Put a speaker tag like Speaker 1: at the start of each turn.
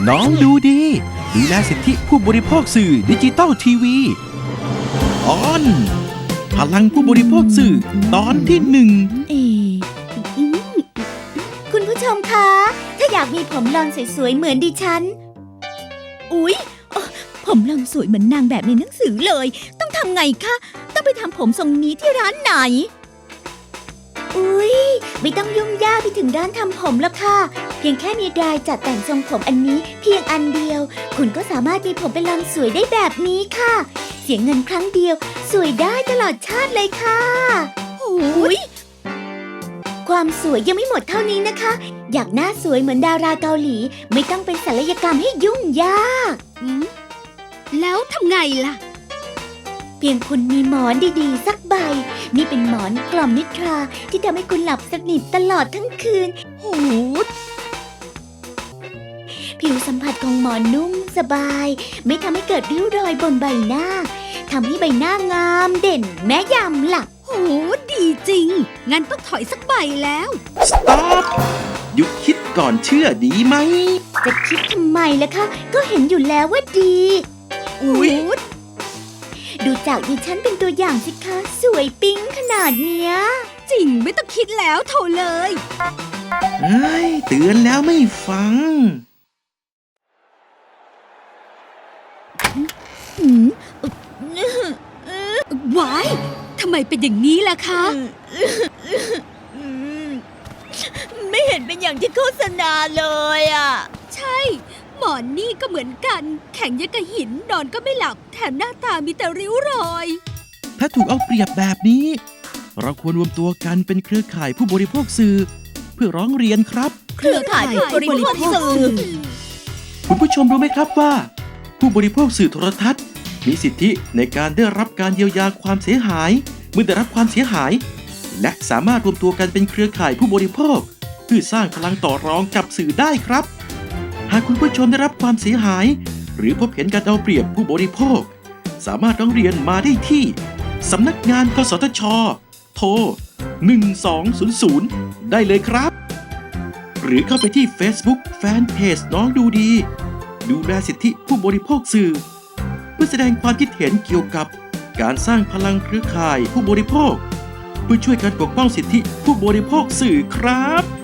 Speaker 1: น้องดูดีดูแลสิทธิผู้บริโภคสื่อดิจิตอลทีวีตอนพลังผู้บริโภคสื่อตอนที่หนึ่ง
Speaker 2: คุณผู้ชมคะถ้าอยากมีผมลอนสวยๆเหมือนดิฉันอุ๊ยผมลอนสวยเหมือนนางแบบในหนังสือเลยต้องทำไงคะต้องไปทำผมทรงนี้ที่ร้านไหนอุ๊ยไม่ต้องยุ่งยากไปถึงร้านทำผมแล้วค่ะเพียงแค่มีไดร์จัดแต่งทรงผมอันนี้เพียงอันเดียวคุณก็สามารถมีผมเป็นลอนสวยได้แบบนี้ค่ะเสียเงินครั้งเดียวสวยได้ตลอดชาติเลยค่ะอุ๊ยความสวยยังไม่หมดเท่านี้นะคะอยากหน้าสวยเหมือนดาราเกาหลีไม่ต้องเป็นศัลยกรรมให้ยุ่งยาก
Speaker 3: แล้วทำไงล่ะ
Speaker 2: เพียงคุณมีหมอนดีๆสักใบนี่เป็นหมอนกล่อมนิทราที่ทำให้คุณหลับสนิทตลอดทั้งคืนผิวสัมผัสของหมอนนุ่มสบายไม่ทำให้เกิดริ้วรอยบนใบหน้าทำให้ใบหน้างามเด่นแม้ยามหลับ
Speaker 3: ดีจริงงั้นต้องถอยสักใบแล้ว
Speaker 1: สต็อปหยุดคิดก่อนเชื่อดีไหม
Speaker 2: จะคิดทำไมล่ะคะก็เห็นอยู่แล้วว่าดีดูจากดิฉันเป็นตัวอย่างสิคะสวยปิ๊งขนาดเนี้ย
Speaker 3: จริงไม่ต้องคิดแล้วโถเลย
Speaker 1: เฮ้ยเตือนแล้วไม่ฟัง
Speaker 3: ว้ายทำไมเป็นอย่างนี้ล่ะคะ
Speaker 2: ไม่เห็นเป็นอย่างที่โฆษณาเลยอ่ะ
Speaker 3: ใช่หมอนนี่ก็เหมือนกันแข็งยังกับหินนอนก็ไม่หลับแถมหน้าตามีแต่ริ้วรอย
Speaker 1: ถ้าถูกเอาเปรียบแบบนี้เราควรรวมตัวกันเป็นเครือข่ายผู้บริโภคสื่อเพื่อร้องเรียนครับ
Speaker 2: เครือข่ายผู้บริโภคสื่อ
Speaker 1: คุณผู้ชมรู้ไหมครับว่าผู้บริโภคสื่อโทรทัศน์มีสิทธิในการได้รับการเยียวยาความเสียหายเมื่อได้รับความเสียหายและสามารถรวมตัวกันเป็นเครือข่ายผู้บริโภคเพื่อสร้างพลังต่อรองกับสื่อได้ครับหากคุณผู้ชมได้รับความเสียหายหรือพบเห็นการเอาเปรียบผู้บริโภคสามารถร้องเรียนมาได้ที่สำนักงานกสทช.โทร1200ได้เลยครับหรือเข้าไปที่ Facebook Fanpage น้องดูดีดูแลสิทธิผู้บริโภคสื่อเพื่อแสดงความคิดเห็นเกี่ยวกับการสร้างพลังเครือข่ายผู้บริโภคเพื่อช่วยกันปกป้องสิทธิผู้บริโภคสื่อครับ